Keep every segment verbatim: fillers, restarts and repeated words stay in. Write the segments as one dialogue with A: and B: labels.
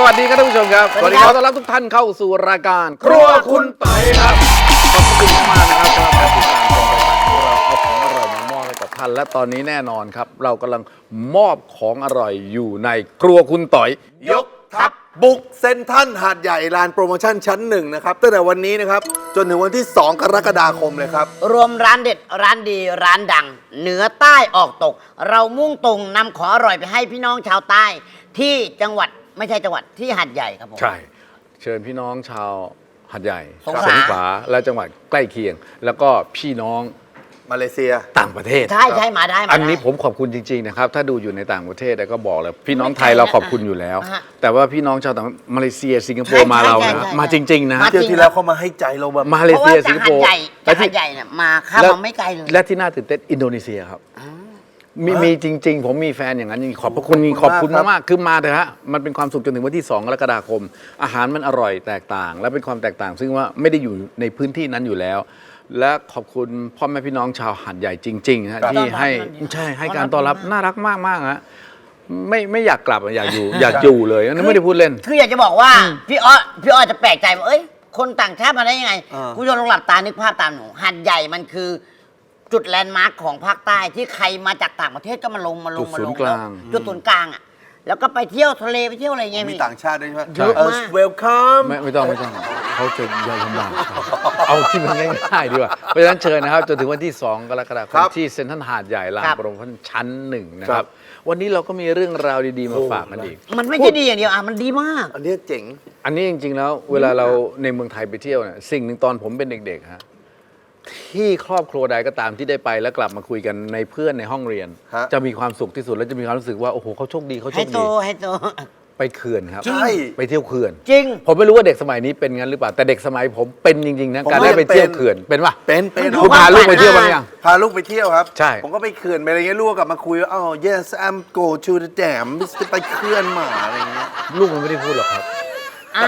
A: วัสดีครับท่านผู้ชมครับสวัสดีครับต้อนรับทุกท่านเข้าสู่รายการครัวคุณไต่ครับขอบคุณมากนะครับสำหรับการติดตามชมรายการของเราเอาของอร่อยมามอบให้กับท่านและตอนนี้แน่นอนครับเรากำลังมอบของอร่อยอยู่ในครัวคุณต่อย
B: ยกทัพบุกเซ็นทรัลหาดใหญ่ลานโปรโมชั่นชั้นหนึ่งนะครับตั้งแต่วันนี้นะครับจนถึงวันที่สองกรกฎาคมเลยครับ
C: รวมร้านเด็ดร้านดีร้านดังเหนือใต้ออกตก เรามุ่งตรงนำของอร่อยไปให้พี่น้องชาวใต้ที่จังหวัดไม่ใช่จังหวัดที่หาดใหญ่ครับผม
A: ใช่เชิญพี่น้องชาวหาดใหญ่
C: สงขลา
A: ขลาและจังหวัดใกล้เคียง แล้วก็พี่น้อง
B: มาเลเซีย
A: ต่างประเทศ
C: ใช่ใช่มาได้มาได้
A: อันนี้ผมขอบคุณจริงๆนะครับถ้าดูอยู่ในต่างประเทศก็บอกเลยพี่น้องไทยเราขอบคุณอยู่แล้ว แต่ว่าพี่น้องชาวต่างมาเลเซียสิงคโปร์มาเรานะมาจริงๆนะ
B: เที่ยวที่แล้วเขามาให้ใจเราแบบ
A: มาเลเซียสิงคโปร์
C: จากหาดใหญ่เนี่ยมาข้ามมาไม่ไกลเลย
A: และที่น่าตื่นเต้นอินโดนีเซียครับมีมีจริงๆผมมีแฟนอย่างนั้นจริงขอบพระคุณขอบคุณมากๆคือมาเถอะฮะมันเป็นความสุขจนถึงวันที่สองกรกฎาคมอาหารมันอร่อยแตกต่าง และเป็นความแตกต่าง ซึ่งว่าไม่ได้อยู่ในพื้นที่นั้นอยู่แล้วและขอบคุณพ่อแม่พี่น้องชาวหาดใหญ่จริงๆฮะที่ให้ใช่ให้การต้อนรับน่ารักมากๆฮะไม่ไม่อยากกลับอยากอยู่อยากอยู่เลยนั่นไม่ได้พูดเล่น
C: คืออยากจะบอกว่าพี่อ้อพี่อ้อจะแปลกใจว่าเอ้ยคนต่างชาติมาได้ยังไงคุณผู้ชมลองหลับตานึกภาพตามหนูหาดใหญ่มันคือจุดแลนด์มาร์คของภาคใต้ที่ใครมาจากต่างประเทศก็มาลงมาลงมาลงจุดศูนย์กลางอ่ะแล้วก็ไปเที่ยวทะเลไปเที่ยวอะไรเงี้ย
B: มีต่างชาติด้วยใช่ไหม
C: เยอะมาก
B: welcome
A: ไม่ไม่ต้องไม่ต้องเขาจะยอมลำบากเอาที่มันง่ายๆดีกว่าเพราะฉะนั้นเชิญนะครับจนถึงวันที่สองกรกฎาคมที่เซ็นทรัลหาดใหญ่ลานโปรโมชั่นชั้นหนึ่งนะครับวันนี้เราก็มีเรื่องราวดีๆมาฝากกันอีก
C: มันไม่ใช่ดีอย่างเดียวอ่ะมันดีมาก
B: อันนี้เจ๋ง
A: อันนี้จริงๆแล้วเวลาเราในเมืองไทยไปเที่ยวเนี่ยสิ่งหนึ่งตอนผมเป็นเด็กๆฮะที่ครอบครัวใดก็ตามที่ได้ไปแล้วกลับมาคุยกันในเพื่อนในห้องเรียนจะมีความสุขที่สุดและจะมีความรู้สึกว่าโอ้โหเขาโชคดีเขาโชคดี
C: ให้โตให้โต
A: ไปเขื่อนครับ
B: ใช่
A: ไปเที่ยวเขื่อน
C: จริง
A: ผมไม่รู้ว่าเด็กสมัยนี้เป็นงั้นหรือเปล่าแต่เด็กสมัยผมเป็นจริงๆนะการได้ไปเที่ยวเขื่อนเป็นป่ะ
B: เป็นเป็น
A: คุณพาลูกไปเที่ยวบ้างยัง
B: พาลูกไปเที่ยวครับ
A: ใช่
B: ผมก็ไปเขื่อนไปอะไรเงี้ยลูกกลับมาคุยว่าอ๋อ yes I'm go to the dam ไปเขื่อนมาอะไรเงี้ย
A: ลูกมันไม่ได้พูดหรอกครับ
C: อ่ะ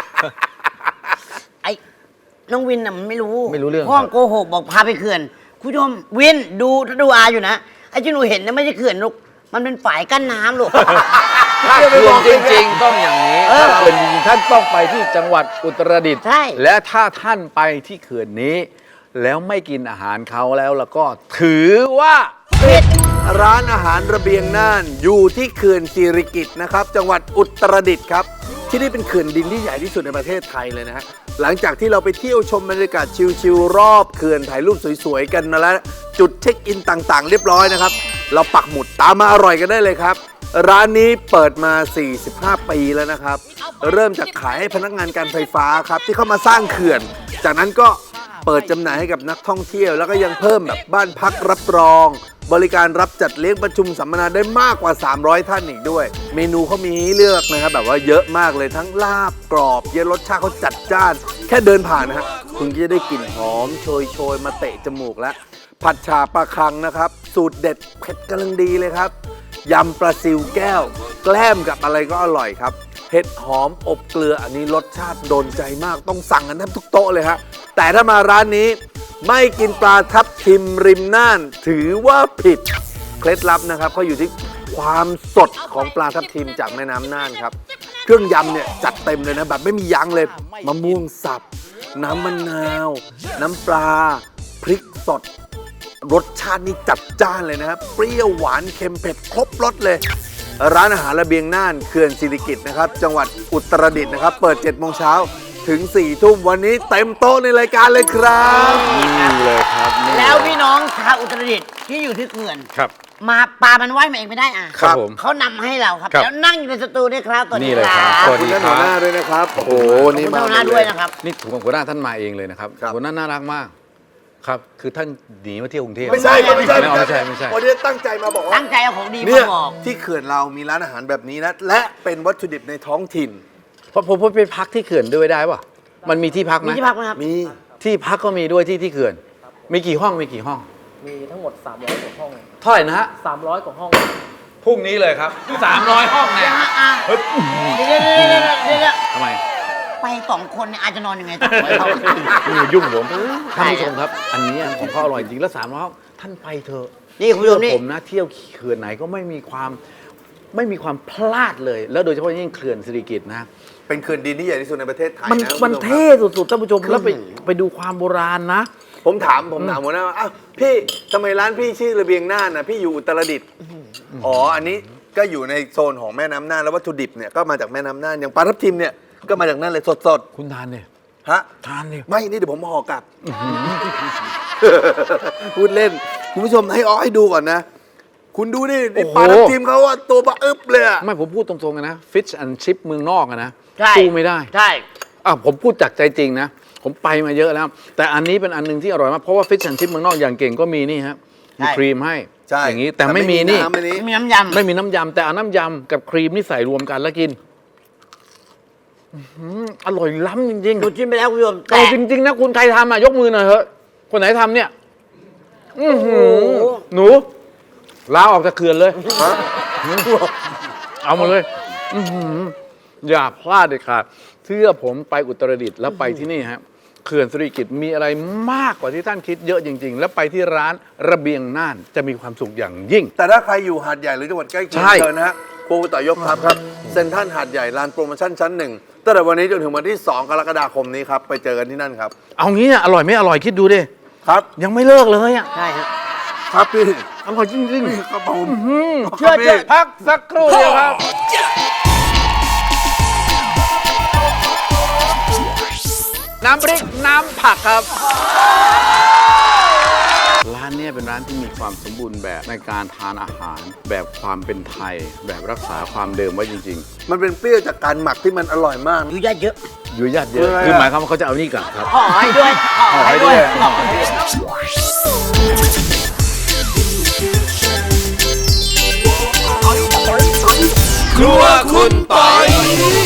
C: ไอ้น้องวินน่ะมันไม่รู้
A: ไม่รู้เรื่อง
C: ห้องโกหกบอกพาไปเขื่อนคุณผู้ชมวินดูถ้าดูอาอยู่นะไอ้ที่หนูเห็นนะไม่ใช่เขื่อนลูกมันเป็นฝายกั้นน้ำลูก
A: ถ้าเขื่อนจริงๆต้องอย่างนี้ถ้าเขื่อนจริงๆท่านต้องไปที่จังหวัดอุตรดิตถ์และถ้าท่านไปที่เขื่อนนี้แล้วไม่กินอาหารเขาแล้วแล้วก็ถือว่า
C: ผิด
B: ร้านอาหารระเบียงน่านอยู่ที่เขื่อนสิริกิติ์นะครับจังหวัดอุตรดิตถ์ครับที่นี่เป็นเขื่อนดินที่ใหญ่ที่สุดในประเทศไทยเลยนะฮะหลังจากที่เราไปเที่ยวชมบรรยากาศชิลๆรอบเขื่อนถ่ายรูปสวยๆกันมาแล้วจุดเช็คอินต่างๆเรียบร้อยนะครับเราปักหมุดตามมาอร่อยกันได้เลยครับร้านนี้เปิดมาสี่สิบห้าปีแล้วนะครับเริ่มจากขายให้พนักงานการไฟฟ้าครับที่เข้ามาสร้างเขื่อนจากนั้นก็เปิดจำหน่ายให้กับนักท่องเที่ยวแล้วก็ยังเพิ่มแบบบ้านพักรับรองบริการรับจัดเลี้ยงประชุมสัมมนาได้มากกว่าสามร้อยท่านอีกด้วยเมนูเขามีให้เลือกนะครับแบบว่าเยอะมากเลยทั้งลาบกรอบเยอะรสชาติเขาจัดจ้านแค่เดินผ่านนะฮะคุณก็จะได้กลิ่นหอมโชยโชยมาเตะจมูกแล้วผัดฉ่าปลาคังนะครับสูตรเด็ดเผ็ดกำลังดีเลยครับยำปลาซิวแก้วแกล้มกับอะไรก็อร่อยครับเห็ดหอมอบเกลืออันนี้รสชาติโดนใจมากต้องสั่งกันแทบทุกโต๊ะเลยฮะแต่ถ้ามาร้านนี้ไม่กินปลาทับทิมริมน่านถือว่าผิดเคล็ดลับนะครับเขาอยู่ที่ความสดของปลาทับทิมจากแม่น้ำน่านครับเครื่องยำเนี่ยจัดเต็มเลยนะแบบไม่มียั้งเลยมะม่วงสับน้ำมะนาวน้ำปลาพริกสดรสชาตินี่จัดจ้านเลยนะครับเปรี้ยวหวานเค็มเผ็ดครบรสเลยร้านอาหารระเบียงน่านเขื่อนสิริกิติ์นะครับจังหวัดอุตรดิตถ์นะครับเปิดเจ็ดโมงเช้าถึงสี่ทุ่มวันนี้เต็มโต๊ะในรายการเลยครับ
A: นี่เลยครับ
C: แล้วพี่น้องชาวอุตรดิตถ์ที่อยู่ที่เขื่อน
A: ครับ
C: มาปลามันว่ายมาเองไม่ได้อ่ะ
A: ครับผม
C: เขานำให้เราครับแล้วนั่งอยู่ในสตูด้วยครับตัวนี้
A: ครับ
B: ขอบคุณท่านหัวหน้าด้วยนะครับโอ้โห
C: นี่มาหัวหน้าด้วยนะครับ
A: นี่ถูกหัวหน้าท่านมาเองเลยนะครับหัวหน้าน่ารักมากครับคือท่านหนีมาเที่ยวกรุงเทพ
B: ไม่ใช่ไม่ใช่
A: ไม่ใช่ไม่ใช่
B: วันนี้ตั้งใจมาบอกว่า
C: ตั้งใจเอาของดี
B: มา
C: บอก
B: ที่เขื่อนเรามีร้านอาหารแบบนี้นะและเป็นวัตถุดิบในท้องถิ่น
A: เพราะผมไปพักที่เขื่อนด้วยได้ป่ะมันมีที่พักไหม
C: มีที่พักไหมครับ
B: มี
A: ที่พักก็มีด้วยที่ที่เขื่อนมีกี่ห้องมีกี่ห้อง
D: มีทั้งหมดสามร้อยกว่าห้อง
A: เท่าไหร่นะฮะ
D: สามร้อยกว่าห้อง
A: พรุ่งนี้เลยครับสามร้อยห้องเนี่ย
C: เฮ้ยเดี๋ยวเดี๋ยวเดี๋ยว
A: ทำไม
C: ไปสองคนเนี่ยอาจจะนอนยังไงสองร้อยห้อง
A: นี่ยุ่งผมท่านผู้ชมครับอันนี้ของเขาอร่อยจริงแล้วสามร้อยห้องท่านไปเถอะ
C: นี่คุณผู้ชมนี่
A: ผมนะเที่ยวเขื่อนไหนก็ไม่มีความไม่มีความพลาดเลย แล้วโดยเฉพาะยิ่งเขื่อนสิริกิติ์นะ
B: เป็นเขื่อนดินที่ใหญ่ที่สุดในประเทศไทย
A: มัน
B: นะ
A: มัน
B: คุณผู้ช
A: เท่สุดๆท่านผู้ชมแล้วไปไปดูความโบราณนะ
B: ผมถามผมถามหัวหน้าว่าอ้าวพี่ทำไมร้านพี่ชื่อระเบียงน่านนะพี่อยู่อุตรดิตถ์อ๋ออันนี้ก็อยู่ในโซนของแม่น้ำน่านแล้ววัตถุดิบเนี่ยก็มาจากแม่น้ำน่านอย่างปลาทับทิมเนี่ยก็มาจากนั่นเลยสด
A: คุณทานเนี่ย
B: ๆฮะ
A: ทานเนี่ย
B: ไม่นี่เดี๋ยวผมห่อกลับ พูดเล่น คุณผู้ชมให้อ้อให้ดูก่อนนะ คุณดูนี่นี่ปลาทับทิมเขาว่าตัวบะอึบเลยอะ
A: ไม่ผมพูดตรงๆกันนะฟิชแอนชิพเมืองนอกอะนะ
C: ใช่
A: สู้ไม่ได้
C: ใช่
A: อ่ะผมพูดจากใจจริงนะ ผมไปมาเยอะแล้ว แต่อันนี้เป็นอันหนึงที่อร่อยมาก เพราะว่าฟิชแอนชิพเมืองนอกอย่างเก่งก็มีนี่ฮะมีครีมให้
B: ใช่
A: อย่างนี้แต่ไม่มีนี่
B: ำอันนี้
C: มีน้ำยำ
A: ไม่มีน้ำยำแต่เอาน้ำยำกับครีมนี่ใส่รวมกันแล้วกินอื้อหืออร่อยล้ำจริงๆ
C: ดูชิมไปแล้วคุณผู้ชม
A: เอาจริงๆนะคุณใครทำอ่ะยกมือหน่อยเถอะคนไหนทำเนี่ยอื้อหือหนูลาออกจากเขื่อนเลย
B: ฮะ
A: เอามาเลยอื้อหืออย่าพลาดเด็ดขาดเชื่อผมไปอุตรดิตถ์แล้วไปที่นี่ฮะเขื่อนสิริกิติ์มีอะไรมากกว่าที่ท่านคิดเยอะจริง ๆ แล้วไปที่ร้านระเบียงน่านจะมีความสุขอย่างยิ่ง
B: แต่ถ้าใครอยู่หาดใหญ่หรือจังหวัดใกล้เคียง
A: ใช่
B: เชิญนะฮะครัวต่อยกครับครับเซ็นทรัลหาดใหญ่ลานโปรโมชั่นชั้นหนึ่งตั้งแต่วันนี้จนถึงวันที่สองกรกฎาคมนี้ครับไปเจอกันที่นั่นครับ
A: เอางี้อ่ะอร่อยไม่อร่อยคิดดูดิ
B: ครับ
A: ยังไม่เลิกเลยอ่ะ
C: ใช่ฮะ
B: ครับพี่
A: อร่อยจริง
B: ครับผม
A: ๆเชื่อเชื่อพักสักครู่เดียวครับ น้ำพริกน้ำผักครับ ร้านเนี้เป็นร้านที่มีความสมบูรณ์แบบในการทานอาหาร แบบความเป็นไทย แบบรักษาความเดิมไว้จริง
B: มันเป็นเปรี้ยวจากการหมักที่มันอร่อยมาก
C: อยู่ญาติเยอะ
A: ๆ อยู่ญาติเยอะ
B: เออ
A: คือหมายความว่าเขาจะเอานี่กลับครับ
C: ห่อให้ด้วยห่อให้ด้วย
A: ห่อให้ด้วย
B: ครัวคุณปอย